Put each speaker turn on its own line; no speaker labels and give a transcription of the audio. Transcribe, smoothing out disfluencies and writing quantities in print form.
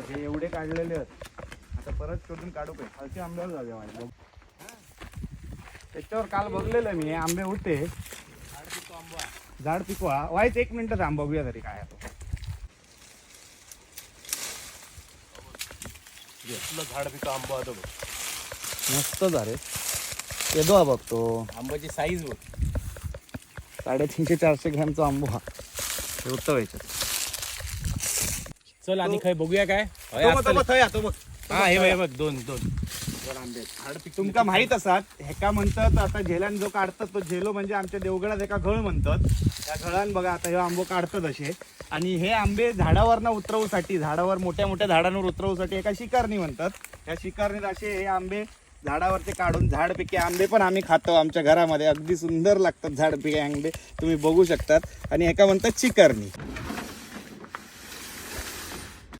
हे एवढे काढलेले आहेत. आता परत शोधून काढू काय खालचे आंब्यावर जाऊया माझ्या. त्याच्यावर काल बघलेलं मी हे आंबे होते. झाड पिकवा व्हायच 1 मिनिट थांब बघूया तरी काय आहे.
झाड पिका आंबा होतो
मस्त झाले येतो बघतो.
आंब्याची साईज बघ
350-400 ग्रॅमचा आंबो हा होतं याच्यात.
चल आणि काय बघूया काय
हा
हे बघ दोन
तुमका माहित असतात हेका म्हणतात आता झेलान जो काढतात तो झेलो म्हणजे आमच्या देवगडात एका घळ म्हणतात. त्या घळान बघा आता हे आंबो काढतात असे. आणि हे आंबे झाडावर उतरवूसाठी झाडावर मोठ्या मोठ्या झाडांवर उतरवूसाठी एका शिकारणी म्हणतात. त्या शिकारणीत असे हे आंबे झाडावरचे काढून झाडपिके आंबे पण आम्ही खातो आमच्या घरामध्ये. अगदी सुंदर लागतात झाडपिके आंबे तुम्ही बघू शकतात. आणि एका म्हणतात शिकारणी.